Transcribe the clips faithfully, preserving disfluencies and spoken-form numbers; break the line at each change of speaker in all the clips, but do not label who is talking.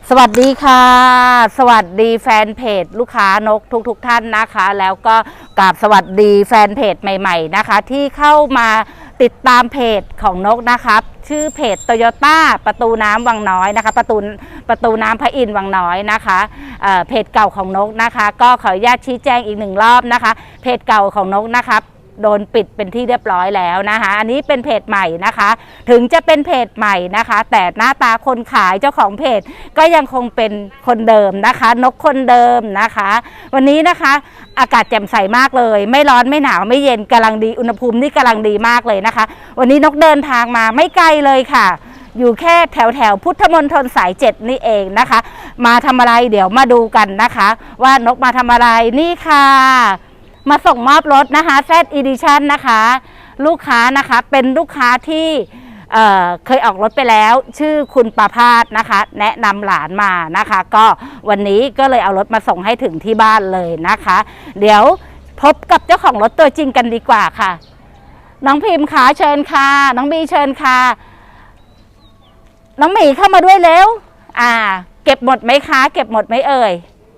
สวัสดีค่ะสวัสดีแฟนเพจลูกค้านกทุกๆ ทท่านนะคะแล้วก็กราบสวัสดีแฟนเพจใหม่ๆนะคะที่เข้ามาติดตามเพจของนกนะคะชื่อเพจโตโยต้าประตูน้ำวังน้อยนะคะประตูประตูน้ำพระอินทร์วังน้อยนะคะเอ่อเพจเก่าของนกนะคะก็ขออนุญาตชี้แจงอีกหนึ่งรอบนะคะเพจเก่าของนกนะคะโดนปิดเป็นที่เรียบร้อยแล้วนะคะอันนี้เป็นเพจใหม่นะคะถึงจะเป็นเพจใหม่นะคะแต่หน้าตาคนขายเจ้าของเพจก็ยังคงเป็นคนเดิมนะคะนกคนเดิมนะคะวันนี้นะคะอากาศแจ่มใสมากเลยไม่ร้อนไม่หนาวไม่เย็นกำลังดีอุณหภูมินี่กำลังดีมากเลยนะคะวันนี้นกเดินทางมาไม่ไกลเลยค่ะอยู่แค่แถวแถวพุทธมณฑลสายเจ็ดนี่เองนะคะมาทำอะไรเดี๋ยวมาดูกันนะคะว่านกมาทำอะไรนี่ค่ะมาส่งมอบรถนะคะ Z Edition นะคะลูกค้านะคะเป็นลูกค้าที่เอ่อเคยออกรถไปแล้วชื่อคุณประภาสนะคะแนะนำหลานมานะคะก็วันนี้ก็เลยเอารถมาส่งให้ถึงที่บ้านเลยนะคะเดี๋ยวพบกับเจ้าของรถตัวจริงกันดีกว่าค่ะน้องพิมพ์ขาเชิญค่ะน้องบีเชิญค่ะน้องหมีเข้ามาด้วยเร็วอ่าเก็บหมดไหมคะเก็บหมดไหมเอ่ย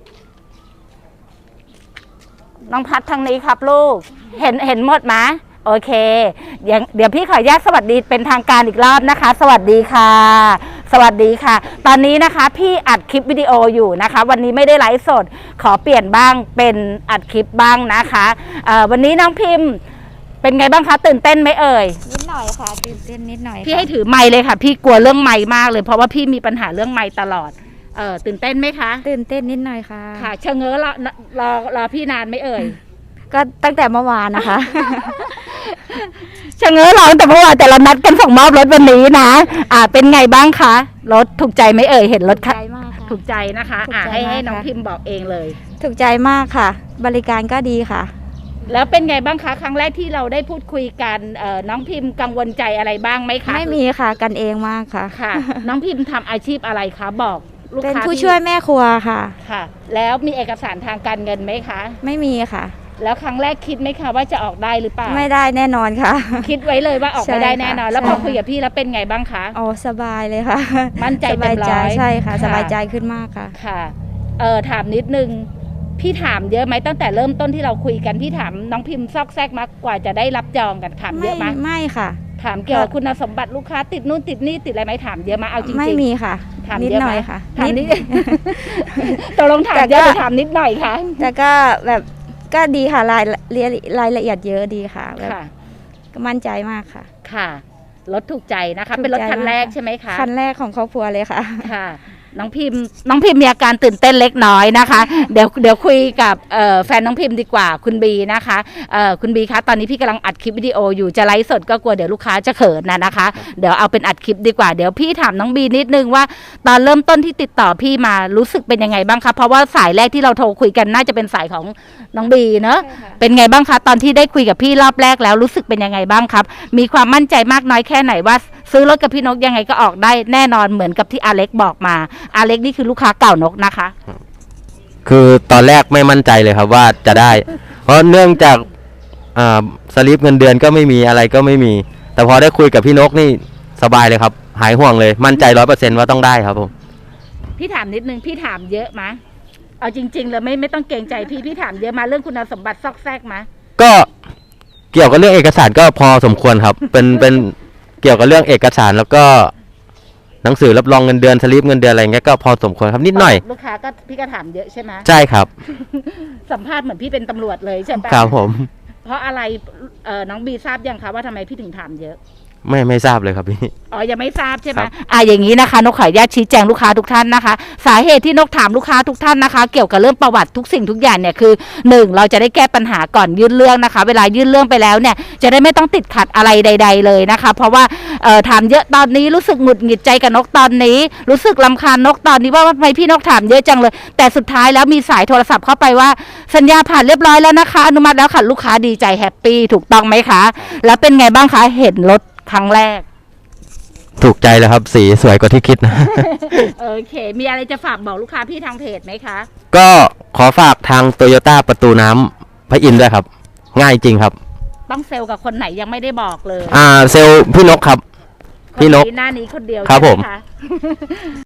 น้องพัดทางนี้ครับลูกเห็นเห็นหมดไหมโอเคเดี๋ยวเดี๋ยวพี่ขออนุญาตสวัสดีเป็นทางการอีกรอบนะคะสวัสดีค่ะสวัสดีค่ะตอนนี้นะคะพี่อัดคลิปวิดีโออยู่นะคะวันนี้ไม่ได้ไลฟ์สดขอเปลี่ยนบ้างเป็นอัดคลิปบ้างนะคะวันนี้น้องพิมพ์เป็นไงบ้างคะตื่นเต้นไหมเอ่ย
นิดหน่อยค่ะตื่นเต้นนิดหน่อย
พี่ให้ถือไมค์เลยค่ะพี่กลัวเรื่องไมค์มากเลยเพราะว่าพี่มีปัญหาเรื่องไมค์ตลอดเออตื่นเต้นไหมคะ
ตื่นเต้นนิดหน่อยค่ะ
ค่ะเชงเง้อรอรอรอพี่นานไหมเอ่ย
ก็ตั้งแต่เมื่อวานนะคะ
เชงเง้อรอตั้งแต่เมื่อวานแต่เรานัดกันส่งมอบรถวันนี้นะอ่าเป็นไงบ้างคะรถถูกใจไหมเอ่ยเห็นรถค่ะถูกใจนะคะอ่าให้ให้น้องพิมพ์บอกเองเลย
ถูกใจมากค่ะบริการก็ดีค่ะ
แล้วเป็นไงบ้างคะครั้งแรกที่เราได้พูดคุยกันน้องพิมพ์กังวลใจอะไรบ้างไหมคะ
ไม่มีค่ะกันเองมากค่ะ
ค่ะน้องพิมพ์ทำอาชีพอะไรคะบอกลูกค้า
เป็นผู้ช่วยแม่ครัวค่ะ
ค่ะแล้วมีเอกสารทางการเงินไหมคะ
ไม่มีค่ะ
แล้วครั้งแรกคิดไหมคะว่าจะออกได้หรือเปล่า
ไม่ได้แน่นอนค่ะ
คิดไว้เลยว่าออกไม่ได้แน่นอนแล้วพอคุยกับพี่แล้วเป็นไงบ้างคะ
อ๋อสบายเลยค่ะ
มั่นใจเต็มร้อย
ใช่ค่ะสบายใจขึ้นมากค่ะ
ค่ะเออถามนิดนึงพี่ถามเยอะไหมตั้งแต่เริ่มต้นที่เราคุยกันพี่ถามน้องพิมพ์ซอกแซกมากกว่าจะได้รับจองกันถามเยอะไหม
ไม่ค่ะ
ถามเกี่ยวกับคุณสมบัติลูกค้าติดนู่นติดนี่ติดอะไรไหมถามเยอะไหมเอาจริงๆ
ไม่มีค่ะ
ถาม
นิดหน่อยค่ะ
ถามนิดตกลงถามเยอะหรือถามนิดหน่อยคะ
แต่ก็แบบก็ดีค่ะรายรายละเอียดเยอะดีค่ะแบบก็มั่นใจมากค่ะ
ค่ะรถถูกใจนะคะเป็นรถคันแรกใช่ไหมคะ
คันแรกของครอบครัวเลยค่ะ
ค่ะน้องพิมพ์น้องพิมพ์มีอาการตื่นเต้นเล็กน้อยนะคะเดี๋ยวเดี๋ยวคุยกับแฟนน้องพิมพ์ดีกว่าคุณบีนะคะคุณบีคะตอนนี้พี่กำลังอัดคลิปวิดีโออยู่จะไลฟ์สดก็กลัวเดี๋ยวลูกค้าจะเขินนะนะคะเดี๋ยวเอาเป็นอัดคลิปดีกว่าเดี๋ยวพี่ถามน้องบีนิดนึงว่าตอนเริ่มต้นที่ติดต่อพี่มารู้สึกเป็นยังไงบ้างคะเพราะว่าสายแรกที่เราโทรคุยกันน่าจะเป็นสายของน้องบีเนอะเป็นไงบ้างคะตอนที่ได้คุยกับพี่รอบแรกแล้วรู้สึกเป็นยังไงบ้างครับมีความมั่นใจมากน้อยแค่ไหนว่าซื้อรถกับพี่นกยังไงก็ออกได้แน่นอนเหมือนกับที่อาเล็กบอกมาอาเล็กนี่คือลูกค้าเก่านกนะคะ
คือตอนแรกไม่มั่นใจเลยครับว่าจะได้เพราะเนื่องจากอ่าสลิปเงินเดือนก็ไม่มีอะไรก็ไม่มีแต่พอได้คุยกับพี่นกนี่สบายเลยครับหายห่วงเลยมั่นใจร้อยเปอร์เซ็นต์ว่าต้องได้ครับผม
พี่ถามนิดนึงพี่ถามเยอะมะเอาจริงๆเลยไม่ไม่ต้องเกรงใจพี่พี่ถามเยอะมาเรื่องคุณสมบัติซอกแซกมะ
ก็เกี่ยวกับเรื่องเอกสารก็พอสมควรครับเป็นเป็นเกี่ยวกับเรื่องเอกสารแล้วก็หนังสือรับรองเงินเดือนสลิปเงินเดือนอะไรเงี้ยก็พอสมควรครับนิดหน่อย
ลูกค้าก็พี่ก็ถามเยอะใช่ไหม
ใช่ครับ
สัมภาษณ์เหมือนพี่เป็นตำรวจเลยใช่ไหม
ครับผม
เพราะอะไรเอ่อน้องบีทราบยังคะว่าทำไมพี่ถึงถามเยอะ
ไม่ไม่ทราบเลยครับพี่
อ๋อยังไม่ทราบใช่ไหมอ่าอย่างนี้นะคะนกขออนุญาตชี้แจงลูกค้าทุกท่านนะคะสาเหตุที่นกถามลูกค้าทุกท่านนะคะเกี่ยวกับเรื่องประวัติทุกสิ่งทุกอย่างเนี่ยคือหนึ่งเราจะได้แก้ปัญหาก่อนยื่นเรื่องนะคะเวลายื่นเรื่องไปแล้วเนี่ยจะได้ไม่ต้องติดขัดอะไรใดๆเลยนะคะเพราะว่าเอ่อถามเยอะตอนนี้รู้สึกหงุดหงิดใจกับนกตอนนี้รู้สึกรำคาญนกตอนนี้ว่าทำไมพี่นกถามเยอะจังเลยแต่สุดท้ายแล้วมีสายโทรศัพท์เข้าไปว่าสัญญาผ่านเรียบร้อยแล้วนะคะอนุมัติแล้วค่ะลูกค้าดีใจแฮปปี้ถูกต้องไหมคะแล้วเป็นไงบ้างคะเห็นรถครั้งแรก
ถูกใจแล้วครับสีสวยกว่าที่คิดนะ
โอเคมีอะไรจะฝากบอกลูกค้าพี่ทางเพจไหมคะ
ก็ขอฝากทางโตโยต้าประตูน้ำพระอินทร์ด้วยครับง่ายจริงครับ
ต้องเซลล์กับคนไหนยังไม่ได้บอกเลย
อ่าเซลล์พี่นกครับพี่นก
หน้านี้คนเดียว
ครับผม